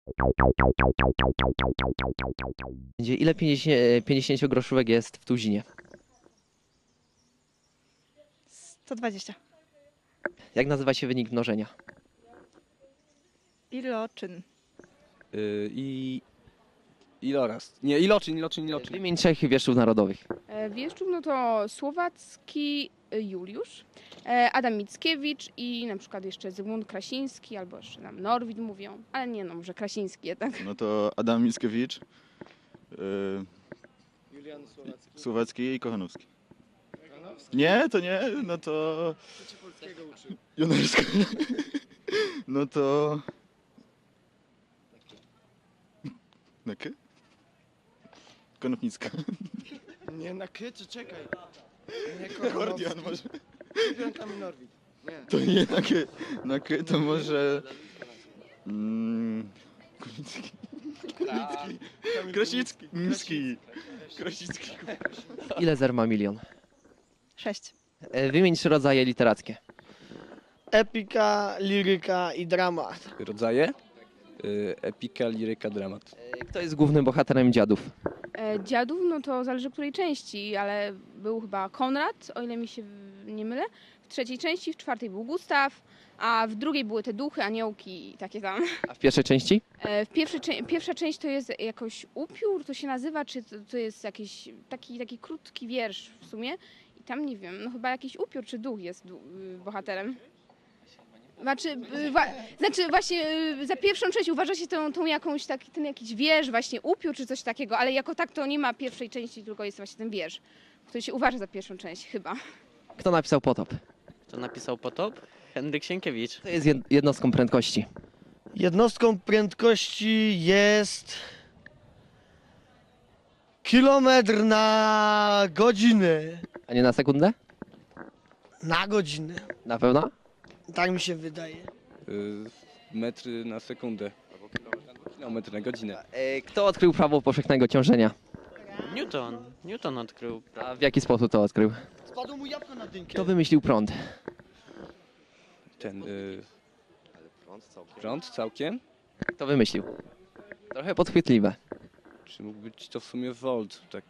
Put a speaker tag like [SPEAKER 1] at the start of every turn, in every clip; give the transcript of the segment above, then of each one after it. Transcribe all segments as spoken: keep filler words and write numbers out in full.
[SPEAKER 1] Będzie ile pięćdziesięciogroszówek jest w tuzinie?
[SPEAKER 2] sto dwadzieścia.
[SPEAKER 1] Jak nazywa się wynik mnożenia?
[SPEAKER 2] Iloczyn.
[SPEAKER 3] Yy, I iloraz. Nie, iloczyn, iloczyn, iloczyn.
[SPEAKER 1] Wymień trzech wieszczów narodowych.
[SPEAKER 4] E, Wieszczów, no to Słowacki e, Juliusz, e, Adam Mickiewicz i na przykład jeszcze Zygmunt Krasiński, albo jeszcze nam Norwid mówią, ale nie no, może Krasiński jednak.
[SPEAKER 5] No to Adam Mickiewicz, yy,
[SPEAKER 3] Julian Słowacki.
[SPEAKER 5] Słowacki i Kochanowski. Nie, to nie, no to... Jonarska. No to... Na K? Konopnicka.
[SPEAKER 6] Nie, na K czy czekaj? Nie,
[SPEAKER 5] Kordian może.
[SPEAKER 6] Tam Norwid. Nie.
[SPEAKER 5] To nie na K. Na K to może... Mm, Kulicki. Kulicki. Krasicki. Krasicki. Krasicki.
[SPEAKER 1] Ile zer ma milion?
[SPEAKER 2] sześć.
[SPEAKER 1] E, Wymień trzy rodzaje literackie.
[SPEAKER 6] Epika, liryka i dramat.
[SPEAKER 3] Rodzaje? Yy, epika, liryka, dramat.
[SPEAKER 1] E, Kto jest głównym bohaterem Dziadów?
[SPEAKER 4] E, Dziadów, no to zależy której części, ale był chyba Konrad, o ile mi się w- nie mylę. W trzeciej części, w czwartej był Gustaw, a w drugiej były te duchy, aniołki i takie tam.
[SPEAKER 1] A w pierwszej części?
[SPEAKER 4] E, W pierwszej, cze- pierwsza część to jest jakoś upiór, to się nazywa, czy to, to jest jakiś taki, taki krótki wiersz w sumie. I tam nie wiem, no chyba jakiś upiór czy duch jest du- y, bohaterem. Znaczy, y, wa- znaczy właśnie y, za pierwszą część uważa się tą, tą jakąś taki, ten jakiś wiersz, właśnie upiór czy coś takiego, ale jako tak to nie ma pierwszej części, tylko jest właśnie ten wiersz, który się uważa za pierwszą część chyba.
[SPEAKER 1] Kto napisał Potop?
[SPEAKER 7] Kto napisał Potop? Henryk Sienkiewicz.
[SPEAKER 1] To jest jed- jednostką prędkości.
[SPEAKER 6] Jednostką prędkości jest kilometr na godzinę.
[SPEAKER 1] A nie na sekundę?
[SPEAKER 6] Na godzinę.
[SPEAKER 1] Na pewno?
[SPEAKER 6] Tak mi się wydaje.
[SPEAKER 3] Yy, metry na sekundę. Albo kilometr na godzinę.
[SPEAKER 1] E, Kto odkrył prawo powszechnego ciążenia?
[SPEAKER 7] Newton. Newton odkrył.
[SPEAKER 1] A w jaki sposób to odkrył?
[SPEAKER 6] Spadło mu jabłko na dynkę.
[SPEAKER 1] Kto wymyślił prąd?
[SPEAKER 3] Ten... Yy, prąd całkiem?
[SPEAKER 1] Kto wymyślił? Trochę podchwytliwe.
[SPEAKER 3] Czy mógł być to w sumie volt? Tak.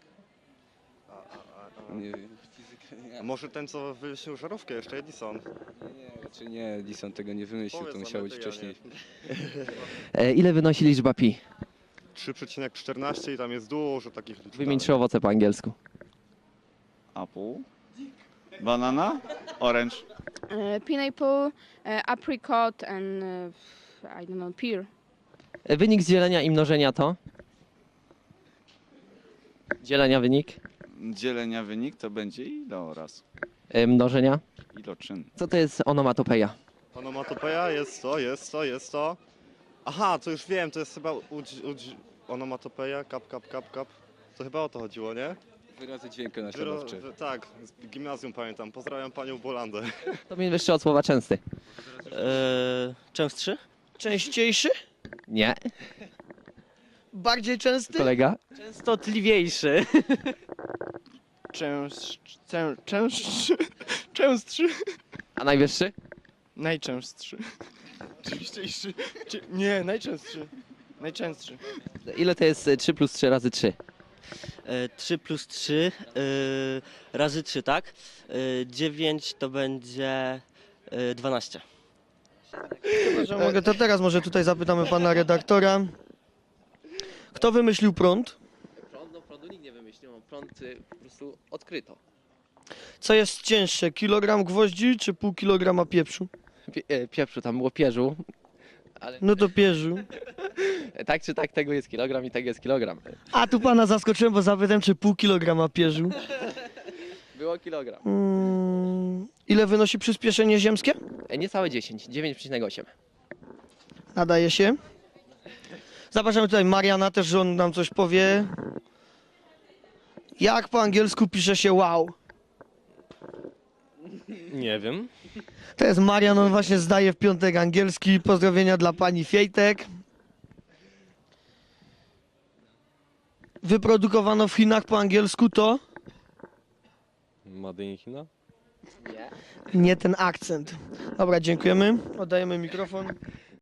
[SPEAKER 3] Nie wiem. Fizyka, nie.
[SPEAKER 8] A może ten, co wymyślił żarówkę, jeszcze Edison?
[SPEAKER 3] Nie, raczej nie, Edison tego nie wymyślił,
[SPEAKER 8] Powiedz
[SPEAKER 3] to
[SPEAKER 8] nam,
[SPEAKER 3] musiało
[SPEAKER 8] ja
[SPEAKER 3] być
[SPEAKER 8] to ja
[SPEAKER 3] wcześniej.
[SPEAKER 1] E, Ile wynosi liczba pi?
[SPEAKER 8] trzy przecinek czternaście i tam jest dużo takich liczb.
[SPEAKER 1] Wymień trzy owoce po angielsku.
[SPEAKER 5] Apple. Banana. Orange.
[SPEAKER 4] E, Pineapple, e, apricot and e, I don't know, pear.
[SPEAKER 1] E, Wynik z dzielenia i mnożenia to? Dzielenia wynik.
[SPEAKER 5] Dzielenia wynik to będzie iloraz.
[SPEAKER 1] E, Mnożenia.
[SPEAKER 5] Iloczyn.
[SPEAKER 1] Co to jest onomatopeja?
[SPEAKER 8] Onomatopeja jest to, jest to, jest to. Aha, to już wiem, to jest chyba udź, udź, onomatopeja, kap, kap, kap, kap. To chyba o to chodziło, nie?
[SPEAKER 3] Wyrazy dźwięku
[SPEAKER 8] Wyro,
[SPEAKER 3] naśladowcze.
[SPEAKER 8] wy- tak, z gimnazjum pamiętam. Pozdrawiam panią Bolandę.
[SPEAKER 1] To mnie wyższy od słowa częsty.
[SPEAKER 7] Eee, częstszy?
[SPEAKER 6] Częściejszy?
[SPEAKER 1] Nie.
[SPEAKER 6] Bardziej częsty?
[SPEAKER 1] Kolega?
[SPEAKER 7] Częstotliwiejszy.
[SPEAKER 6] Częstszy. Częstszy. Częstszy.
[SPEAKER 1] A najwyższy?
[SPEAKER 6] Najczęstszy. Częściejszy. Nie, najczęstszy. Najczęstszy.
[SPEAKER 1] Ile to jest e, trzy plus trzy razy trzy?
[SPEAKER 7] Eee, trzy plus trzy eee, razy trzy, tak? Eee, dziewięć to będzie eee, dwanaście.
[SPEAKER 6] Że mogę, to teraz może tutaj zapytamy pana redaktora. Kto wymyślił prąd?
[SPEAKER 1] Prąd, no prądu nikt nie wymyślił, no prąd y, po prostu odkryto.
[SPEAKER 6] Co jest cięższe, kilogram gwoździ czy pół kilograma pieprzu?
[SPEAKER 1] Pie, e, pieprzu, tam było pierzu, ale
[SPEAKER 6] No to pierzu.
[SPEAKER 1] tak czy tak tego jest kilogram i tego jest kilogram.
[SPEAKER 6] A tu pana zaskoczyłem, bo zapytałem, czy pół kilograma pierzu.
[SPEAKER 1] Było kilogram.
[SPEAKER 6] Mm, ile wynosi przyspieszenie ziemskie?
[SPEAKER 1] E, Niecałe dziesięć, dziewięć przecinek osiem.
[SPEAKER 6] Nadaje się. Zapraszamy tutaj Mariana też, że on nam coś powie. Jak po angielsku pisze się wow?
[SPEAKER 7] Nie wiem.
[SPEAKER 6] To jest Marian, on właśnie zdaje w piątek angielski. Pozdrowienia dla pani Fiejtek. Wyprodukowano w Chinach po angielsku to?
[SPEAKER 3] Made in China?
[SPEAKER 1] Nie.
[SPEAKER 6] Nie ten akcent. Dobra, dziękujemy. Oddajemy mikrofon.